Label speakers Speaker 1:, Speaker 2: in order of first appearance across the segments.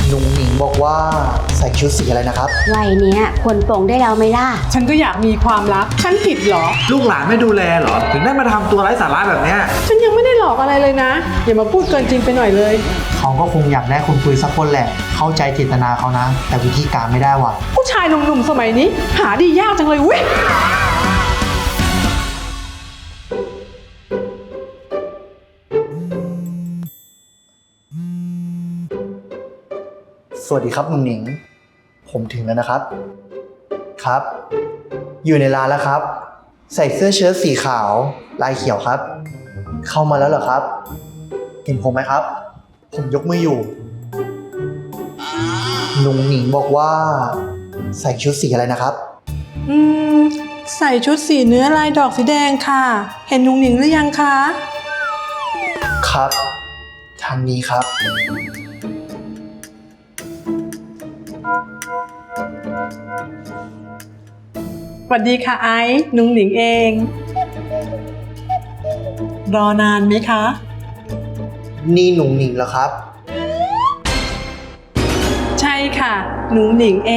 Speaker 1: ลุงหนิงบอกว่าใส่ชุดสีอะไรนะครับ
Speaker 2: วัยเนี้ยควรปลงได้แล้วไหมล่ะ
Speaker 3: ฉันก็อยากมีความรักฉันผิดเหรอ
Speaker 4: ลูกหลานไม่ดูแลเหรอ ถึงได้มาทำตัวไร้สาระแบบเนี้ย
Speaker 3: ฉันยังไม่ได้หลอกอะไรเลยนะอย่ามาพูดเกินจริงไปหน่อยเลย
Speaker 1: เขาก็คงอยากได้คนคุยสักคนแหละ เข้าใจเจตนาเขานะ แต่วิธีการไม่ได้ว่ะ
Speaker 3: ผู้ชายหนุ่มๆสมัยนี้ หาดียากจังเลยเว้ย
Speaker 1: สวัสดีครับลุงหนิง ผมถึงแล้วนะครับ ครับ อยู่ในร้านแล้วครับ ใส่เสื้อเชิ้ตสีขาว ลายเขียวครับ เข้ามาแล้วเหรอครับ เห็นผมไหมครับ ผมยกมืออยู่ลุงหนิงบอกว่าใส่ชุดสีอะไรนะครับ
Speaker 3: ใส่ชุดสีเนื้อลายดอกสีแดงค่ะ เห็นนุงหนิงหรือยังคะ
Speaker 1: ครับ ทางนี้ครับ
Speaker 3: สวัสดีค่ะไอ้นุงหนิงเอง รอนานไหมคะ
Speaker 1: นี่หนุ่งหนิงเหรอครับ
Speaker 3: ใช่ค่ะหนุงหนิงเอง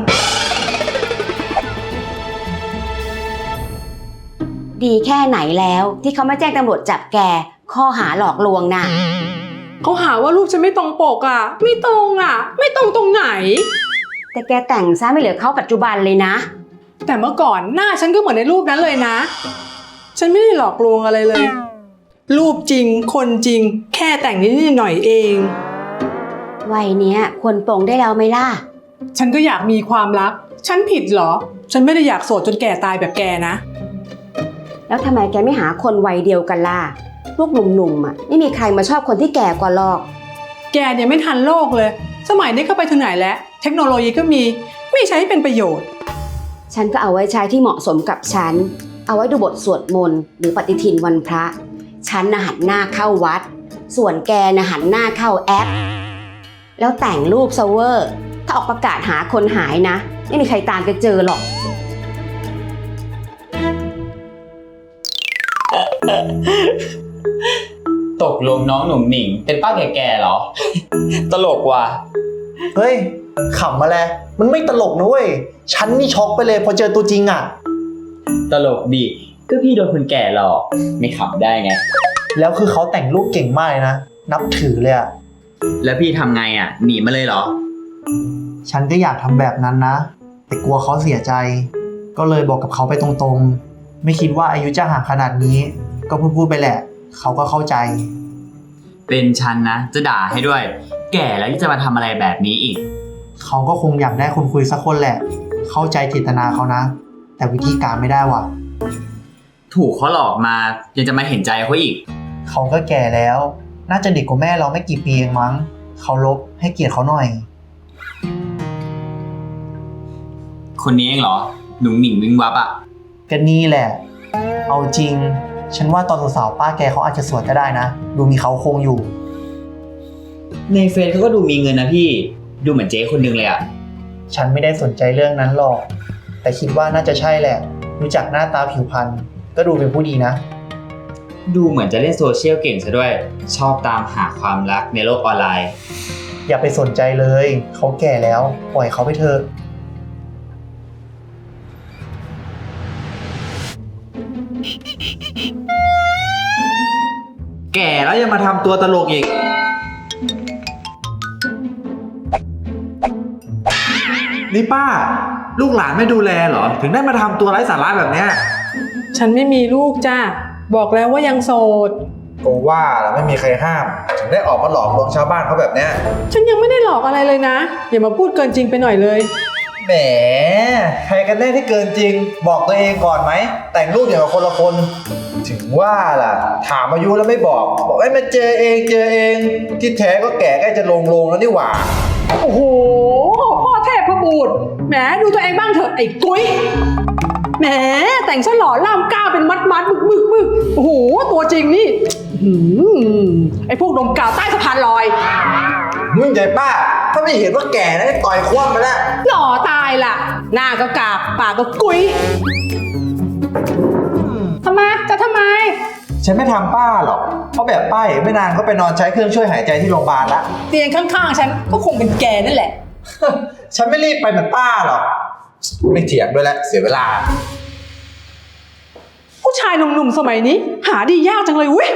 Speaker 2: ดีแค่ไหนแล้วที่เขาไม่แจ้งตำรวจจับแกข้อหาหลอกลวงน่ะ
Speaker 3: เขาหาว่ารูปฉันไม่ตรงปกอ่ะ ไม่ตรงอ่ะ ไม่ตรงตรงไหน
Speaker 2: แต่แกแต่งซะไม่เหลือเขาปัจจุบันเลยนะ
Speaker 3: แต่เมื่อก่อนหน้าฉันก็เหมือนในรูปนั้นเลยนะ ฉันไม่ได้หลอกลวงอะไรเลย รูปจริงคนจริง แค่แต่งนิดหน่อยเอง
Speaker 2: วัยเนี้ยควรปลงได้แล้วไหมล่ะ
Speaker 3: ฉันก็อยากมีความรักฉันผิดเหรอ ฉันไม่ได้อยากโสดจนแก่ตายแบบแกนะ
Speaker 2: แล้วทำไมแกไม่หาคนวัยเดียวกันล่ะพวกหนุ่มๆอ่ะไม่มีใครมาชอบคนที่แก่กว่าหรอก
Speaker 3: แกเนี่ยไม่ทันโลกเลย สมัยนี้ก็ไปถึงไหนแล้ว เทคโนโลยีก็มี ไม่ใช้ให้เป็นประโยชน์
Speaker 2: ฉันก็เอาไว้ใช้ที่เหมาะสมกับฉัน เอาไว้ดูบทสวดมนต์หรือปฏิทินวันพระ ฉันน่ะหันหน้าเข้าวัด ส่วนแกน่ะหันหน้าเข้าแอป แล้วแต่งรูปเซอร์เวอร์ ถ้าออกประกาศหาคนหายนะ ไม่มีใครตามแกเจอหรอก
Speaker 5: ตกลงน้องหนุ่มหนิงเป็นป้าแก่ๆเหรอ ตลกว่ะ
Speaker 1: เฮ้ยขำมาแล้วมันไม่ตลกนะเว้ย ฉันนี่ช็อกไปเลยพอเจอตัวจริงอ่ะ
Speaker 5: ตลกดีก็พี่โดนคนแก่หลอกไม่ขำได้ไง
Speaker 1: แล้วคือเขาแต่งรูปเก่งมากเลยนะ นับถือเลยอ่ะ
Speaker 5: แล้วพี่ทำไงอ่ะหนีมาเลยเหรอ
Speaker 1: ฉันก็อยากทำแบบนั้นนะ แต่กลัวเขาเสียใจ ก็เลยบอกกับเขาไปตรงๆ ไม่คิดว่าอายุจะห่างขนาดนี้ ก็พูดไปแหละ เขาก็เข้าใจ
Speaker 5: เป็นฉันนะจะด่าให้ด้วย แก่แล้วที่จะมาทำอะไรแบบนี้อีก
Speaker 1: เขาก็คงอยากได้คนคุยสักคนแหละ เข้าใจเจตนาเขานะ แต่วิธีการไม่ได้ว่ะ
Speaker 5: ถูกเขาหลอกมายังจะมาเห็นใจเขาอีก
Speaker 1: เขาก็แก่แล้ว น่าจะเด็กกว่าแม่เราไม่กี่ปีเองมั้งเคารพให้เกียรติเขาหน่อย
Speaker 5: คนนี้เองเหรอหนุ่มหนิงวิงวับอ่ะ
Speaker 1: ก็นี่แหละ เอาจริง ฉันว่าตอนสาวๆป้าแกเขาอาจจะสวยก็ได้นะ ดูมีเขาโครงอยู่
Speaker 5: ในเฟซเขาก็ดูมีเงินนะพี่ดูเหมือนเจ๊คนนึงเลยอ่ะ
Speaker 1: ฉันไม่ได้สนใจเรื่องนั้นหรอก แต่คิดว่าน่าจะใช่แหละ รู้จักหน้าตาผิวพรรณก็ดูเป็นผู้ดีนะ
Speaker 5: ดูเหมือนจะเล่นโซเชียลเก่งซะด้วย ชอบตามหาความรักในโลกออนไลน์
Speaker 1: อย่าไปสนใจเลย เขาแก่แล้ว ปล่อยเขาไปเถอะ
Speaker 4: แก่แล้วยังมาทำตัวตลกอีก นี่ป้า ลูกหลานไม่ดูแลเหรอ ถึงได้มาทำตัวไร้สาระแบบเนี้ย
Speaker 3: ฉันไม่มีลูกจ้าบอกแล้วว่ายังโสด
Speaker 4: ก็ว่าแล้วไม่มีใครห้าม ถึงได้ออกมาหลอกลวงชาวบ้านเขาแบบเนี้ย
Speaker 3: ฉันยังไม่ได้หลอกอะไรเลยนะ อย่ามาพูดเกินจริงไปหน่อยเลย
Speaker 4: แหม ใครกันแน่ที่เกินจริง บอกตัวเองก่อนไหม แต่งรูปอย่างกับคนละคน ถึงว่าล่ะ ถามอายุแล้วไม่บอกให้มาเจอเองเจอเอง ที่แท้ก็แก่ใกล้จะลงแล้วนี่หว่า
Speaker 3: โอ้โห พ่อเทพพระบูตรแหมดูตัวเองบ้างเถอะไอ้กุ้ยแหมแต่งซะหล่อล่ามก้าวเป็นมัดบึกโอ้โหตัวจริงนี่อื้อหือไอ้พวกดมกาวใต้สะพานลอย
Speaker 4: มึงใหญ่ป้า ถ้าไม่เห็นว่าแก่นะต่อยคว่ำไปแล้ว
Speaker 3: หล่อตายล่ะ หน้าก็กาบปากก็กุ้ยทำไมจะทำไม
Speaker 4: ฉฉันไม่ทำป้าหรอก เพราะแบบป้าไม่นานก็ไปนอนใช้เครื่องช่วยหายใจที่โรงพยาบาลละ
Speaker 3: เตียงข้างๆฉันก็คงเป็นแกนั่นแหละ
Speaker 4: ฉันไม่รีบไปเหมือนป้าหรอก ไม่เถียงด้วยแหละเสียเวลา
Speaker 3: ผู้ชายหนุ่มๆสมัยนี้ หาดียากจังเลยเว้ย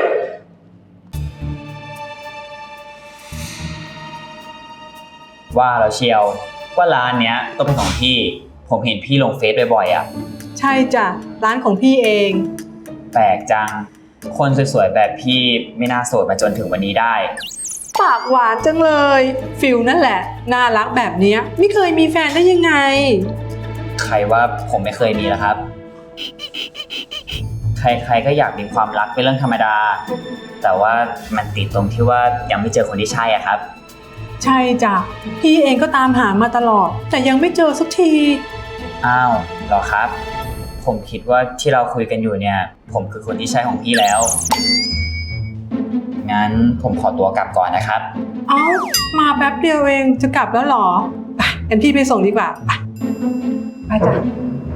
Speaker 5: ว่าแล้วเชียวว่าร้านเนี้ยต้องเป็นของพี่ ผมเห็นพี่ลงเฟซบ่อยๆอ่ะ
Speaker 3: ใช่จ้ะร้านของพี่เอง
Speaker 5: แปลกจัง คนสวยๆแบบพี่ไม่น่าโสดมาจนถึงวันนี้ได้
Speaker 3: ปากหวานจังเลยฟิลนั่นแหละน่ารักแบบเนี้ยไม่เคยมีแฟนได้ยังไง
Speaker 5: ใครว่าผมไม่เคยมีแล้วครับ ใครๆก็อยากมีความรักเป็นเรื่องธรรมดา แต่ว่ามันติดตรงที่ว่ายังไม่เจอคนที่ใช่อะครับ
Speaker 3: ใช่จ้ะพี่เองก็ตามหามาตลอด แต่ยังไม่เจอสักที
Speaker 5: อ้าวเหรอครับ ผมคิดว่าที่เราคุยกันอยู่เนี่ย ผมคือคนที่ใช่ของพี่แล้ว งั้นผมขอตัวกลับก่อนนะครับ
Speaker 3: เอ้ามาแป๊บเดียวเองจะกลับแล้วเหรอไปงั้นพี่ไปส่งดีกว่าไปจ้ะ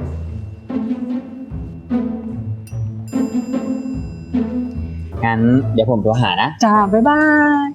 Speaker 5: งั้นเดี๋ยวผมโทรหานะ
Speaker 3: จ้าบ๊ายบาย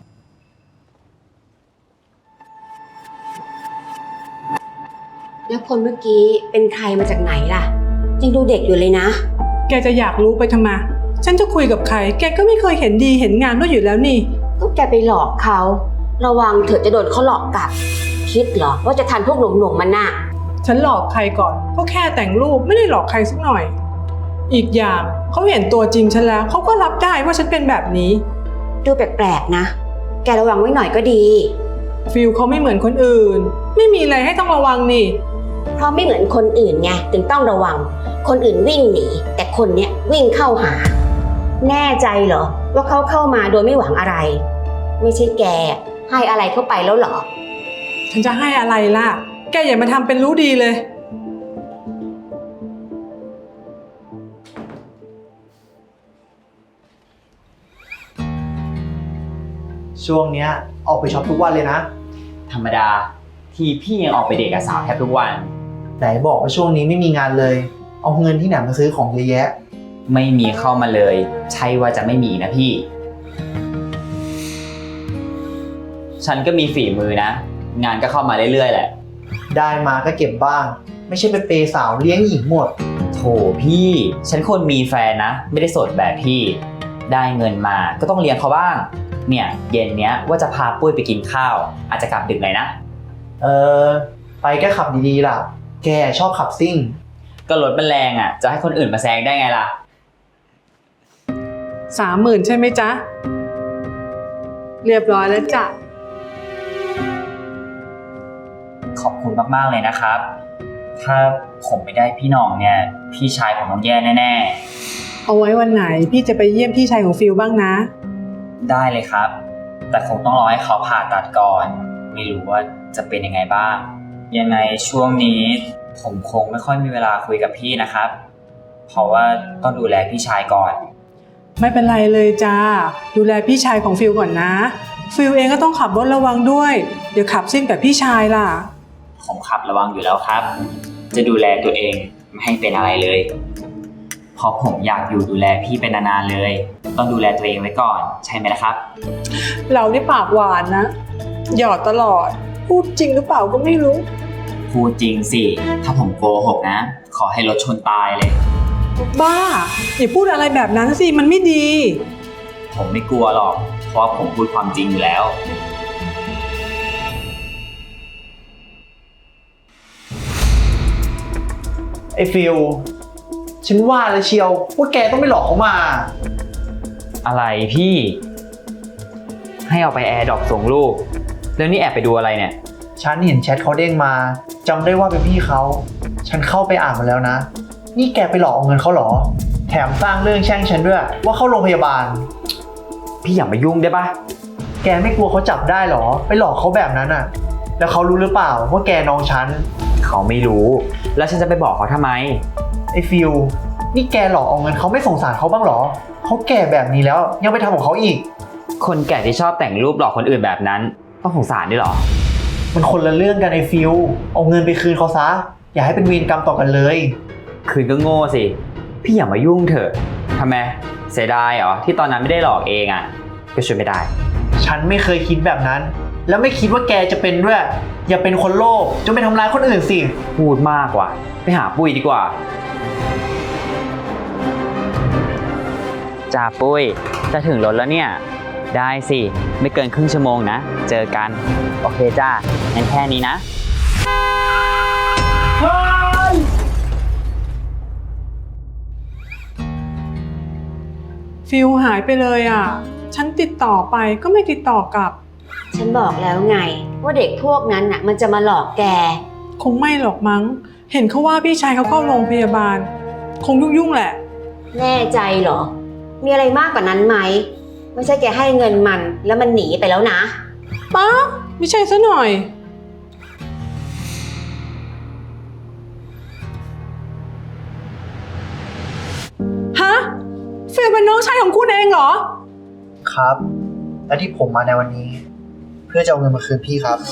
Speaker 2: แล้วคนเมื่อกี้เป็นใครมาจากไหนล่ะยังดูเด็กอยู่เลยนะ
Speaker 3: แกจะอยากรู้ไปทำไมฉันจะคุยกับใครแกก็ไม่เคยเห็นดีเห็นงามด้วยอยู่แล้วนี่
Speaker 2: ก็แกไปหลอกเขาระวังเถอะจะโดนเขาหลอกกลับ คิดเหรอว่าจะทันพวกหนุ่มๆมันน่ะ
Speaker 3: ฉันหลอกใครก่อนก็แค่แต่งรูปไม่ได้หลอกใครสักหน่อย อีกอย่างเขาเห็นตัวจริงฉันแล้วเขาก็รับได้ว่าฉันเป็นแบบนี้
Speaker 2: ดูแปลกๆนะ แกระวังไว้หน่อยก็ดี
Speaker 3: ฟิลเขาไม่เหมือนคนอื่น ไม่มีอะไรให้ต้องระวังนี่
Speaker 2: เพราะไม่เหมือนคนอื่นไงถึงต้องระวัง คนอื่นวิ่งหนีแต่คนเนี้ยวิ่งเข้าหา แน่ใจเหรอว่าเขาเข้ามาโดยไม่หวังอะไร ไม่ใช่แกให้อะไรเข้าไปแล้วเหรอ
Speaker 3: ฉันจะให้อะไรล่ะ แกอย่ามาทำเป็นรู้ดีเลย
Speaker 1: ช่วงเนี้ยออกไปช็อปทุกวันเลยนะ
Speaker 5: ธรรมดาที่พี่ยังออกไปเดทกับสาวแทบทุกวัน
Speaker 1: ไหนบอกว่าช่วงนี้ไม่มีงานเลย เอาเงินที่ไหนมาซื้อของเยอะแยะ
Speaker 5: ไม่มีเข้ามาเลย ใช่ว่าจะไม่มีนะพี่ ฉันก็มีฝีมือนะ งานก็เข้ามาเรื่อยๆแหละ
Speaker 1: ได้มาก็เก็บบ้าง ไม่ใช่ไปเปย์สาวเลี้ยงหญิงหมด
Speaker 5: โถพี่ ฉันคนมีแฟนนะ ไม่ได้โสดแบบพี่ ได้เงินมาก็ต้องเลี้ยงเขาบ้าง เนี่ยเย็นเนี้ยว่าจะพาปุ้ยไปกินข้าว อาจจะกลับดึกหน่อยนะ
Speaker 1: ไปแค่ขับดีๆล่ะ แกชอบขับซิ่ง
Speaker 5: ก็รถมันแรงอ่ะ จะให้คนอื่นมาแซงได้ไงล่ะ
Speaker 3: 30,000ใช่ไหมจ๊ะ เรียบร้อยแล้วจ้ะ
Speaker 5: ขอบคุณมากๆเลยนะครับ ถ้าผมไม่ได้พี่หน้องเนี่ย พี่ชายผมต้องแย่แน่
Speaker 3: เอาไว้วันไหนพี่จะไปเยี่ยมพี่ชายของฟิลบ้างนะ
Speaker 5: ๆ ได้เลยครับ แต่คงต้องรอให้เขาผ่าตัดก่อน ไม่รู้ว่าจะเป็นยังไงบ้าง ยังไงช่วงนี้ผมคงไม่ค่อยมีเวลาคุยกับพี่นะครับ เพราะว่าต้องดูแลพี่ชายก่อน
Speaker 3: ไม่เป็นไรเลยจ้าดูแลพี่ชายของฟิลก่อนนะฟิลเองก็ต้องขับรถระวังด้วย เดี๋ยวขับซิ่งแบบพี่ชายล่ะ
Speaker 5: ผมขับระวังอยู่แล้วครับ จะดูแลตัวเองไม่ให้เป็นอะไรเลย เพราะผมอยากอยู่ดูแลพี่เป็นนานๆเลย ต้องดูแลตัวเองไว้ก่อน ใช่ไหมล่ะครับ
Speaker 3: เรานี่ปากหวานนะ หยอดตลอด พูดจริงหรือเปล่าก็ไม่รู้
Speaker 5: พูดจริงสิ ถ้าผมโกหกนะ ขอให้รถชนตายเลย
Speaker 3: บ้าอย่าพูดอะไรแบบนั้นสิมันไม่ดี
Speaker 5: ผมไม่กลัวหรอก เพราะว่าผมพูดความจริงอยู่แล้ว
Speaker 1: ไอ้ฟิลฉันว่าแล้วเชียวว่าแกต้องไม่หลอกเขามา
Speaker 5: อะไรพี่ ให้เอาไปแอร์ดรอปส่งลูก แล้วนี่แอบไปดูอะไรเนี่ย
Speaker 1: ฉันเห็นแชทเขาเด้งมาจำได้ว่าเป็นพี่เขา ฉันเข้าไปอ่านมาแล้วนะ นี่แกไปหลอกเอาเงินเขาเหรอ แถมสร้างเรื่องแช่งฉันด้วยว่าเข้าโรงพยาบาล
Speaker 5: พี่อย่ามายุ่งได้ปะ
Speaker 1: แกไม่กลัวเขาจับได้เหรอ ไปหลอกเขาแบบนั้นอ่ะ แล้วเขารู้หรือเปล่าว่าแกน้องฉัน
Speaker 5: เขาไม่รู้ แล้วฉันจะไปบอกเขาทำไม
Speaker 1: ไอ้ฟิลนี่แกหลอกเอาเงินเขาไม่สงสารเขาบ้างเหรอ เขาแก่แบบนี้แล้วยังไปทำของเขาอีก
Speaker 5: คนแก่ที่ชอบแต่งรูปหลอกคนอื่นแบบนั้น ต้องสงสารด้วยเหรอ
Speaker 1: มันคนละเรื่องกันไอ้ฟิลเอาเงินไปคืนเขาซะ อย่าให้เป็นเวรกรรมต่อกันเลย
Speaker 5: คืนก็โง่สิ พี่อย่ามายุ่งเถอะ ทำไมเสียดายเหรอที่ตอนนั้นไม่ได้หลอกเองอ่ะก็ช่วยไม่ได้
Speaker 1: ฉันไม่เคยคิดแบบนั้น แล้วไม่คิดว่าแกจะเป็นด้วย อย่าเป็นคนโลภจนไปทำร้ายคนอื่นสิ
Speaker 5: พูดมากกว่าไปหาปุ้ยดีกว่าจ่าปุ้ยจะถึงรถแล้วเนี่ยได้สิไม่เกินครึ่งชั่วโมงนะเจอกันโอเคจ้างั้นแค่นี้นะ
Speaker 3: ฟิลหายไปเลยอ่ะ ฉันติดต่อไปก็ไม่ติดต่อกลับ
Speaker 2: ฉันบอกแล้วไงว่าเด็กพวกนั้นน่ะมันจะมาหลอกแก
Speaker 3: คงไม่หรอกมั้ง เห็นเขาว่าพี่ชายเขาเข้าโรงพยาบาล คงยุ่งๆแหละ
Speaker 2: แน่ใจเหรอ มีอะไรมากกว่านั้นไหม ไม่ใช่แกให้เงินมันแล้วมันหนีไปแล้วนะ
Speaker 3: ป๊าไม่ใช่ซะหน่อย ฮะ ฟิลเป็นน้องชายของคุณเองเหรอ
Speaker 1: ครับ และที่ผมมาในวันนี้ เพื่อจะเอาเงินมาคืนพี่ครับ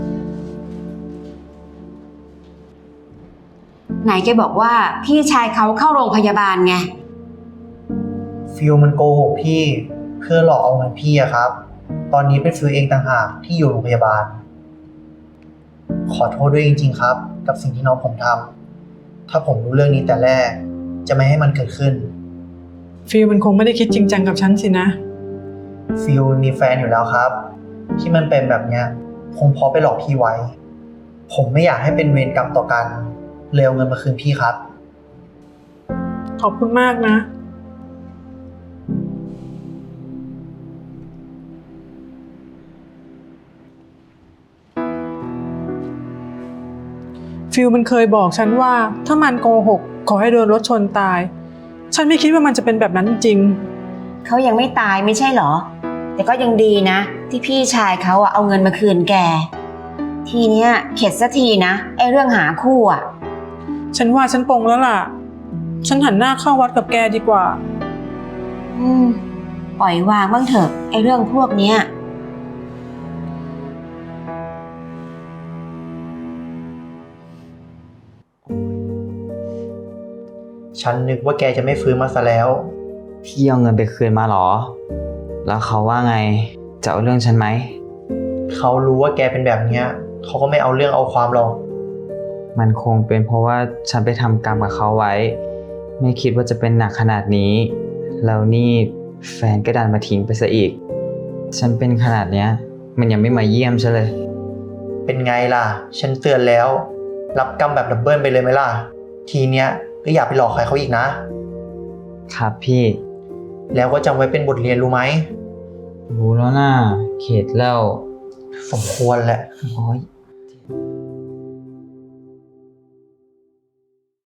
Speaker 2: ไหนแกบอกว่าพี่ชายเขาเข้าโรงพยาบาลไง
Speaker 1: ฟิลมันโกหกพี่เพื่อหลอกเอาเงินพี่อะครับ ตอนนี้เป็นฟิลเองต่างหากที่อยู่โรงพยาบาล ขอโทษด้วยจริงๆครับ กับสิ่งที่น้องผมทำถ้าผมรู้เรื่องนี้แต่แรก จะไม่ให้มันเกิดขึ้น
Speaker 3: ฟิลมันคงไม่ได้คิดจริงจังกับฉันสินะ
Speaker 1: ฟิลมีแฟนอยู่แล้วครับ ที่มันเป็นแบบเนี้ยคงเพราะไปหลอกพี่ไว้ ผมไม่อยากให้เป็นเวรกรรมต่อกันเลยเอาเงินมาคืนพี่ครับ
Speaker 3: ขอบคุณมากนะ ฟิลมันเคยบอกฉันว่าถ้ามันโกหกขอให้โดนรถชนตาย ฉันไม่คิดว่ามันจะเป็นแบบนั้นจริง
Speaker 2: เขายังไม่ตายไม่ใช่เหรอ แต่ก็ยังดีนะ ที่พี่ชายเขาอะเอาเงินมาคืนแก ทีเนี้ยเข็ดสักทีนะไอ้เรื่องหาคู่อะ
Speaker 3: ฉันว่าฉันปลงแล้วล่ะ ฉันหันหน้าเข้าวัดกับแกดีกว่า
Speaker 2: ปล่อยวางบ้างเถอะไอ้เรื่องพวกเนี้ย
Speaker 1: ฉันนึกว่าแกจะไม่ฟื้นมาซะแล้ว
Speaker 5: พี่เอาเงินไปคืนมาเหรอ แล้วเขาว่าไงจะเอาเรื่องฉันไหม
Speaker 1: เขารู้ว่าแกเป็นแบบเนี้ยเขาก็ไม่เอาเรื่องเอาความหรอก
Speaker 5: มันคงเป็นเพราะว่าฉันไปทำกรรมกับเขาไว้ ไม่คิดว่าจะเป็นหนักขนาดนี้ แล้วนี่แฟนก็ดันมาทิ้งไปซะอีก ฉันเป็นขนาดเนี้ย มันยังไม่มาเยี่ยมฉันเลย
Speaker 1: เป็นไงล่ะ ฉันเตือนแล้ว รับกรรมแบบดับเบิลไปเลยไหมล่ะ ทีเนี้ยก็อย่าไปหลอกใครเขาอีกนะ
Speaker 5: ครับพี่
Speaker 1: แล้วก็จำไว้เป็นบทเรียนรู้ไหม
Speaker 5: รู้แล้วนะเข็ดแล้ว
Speaker 1: สมควรแหละ
Speaker 5: โอ๊ย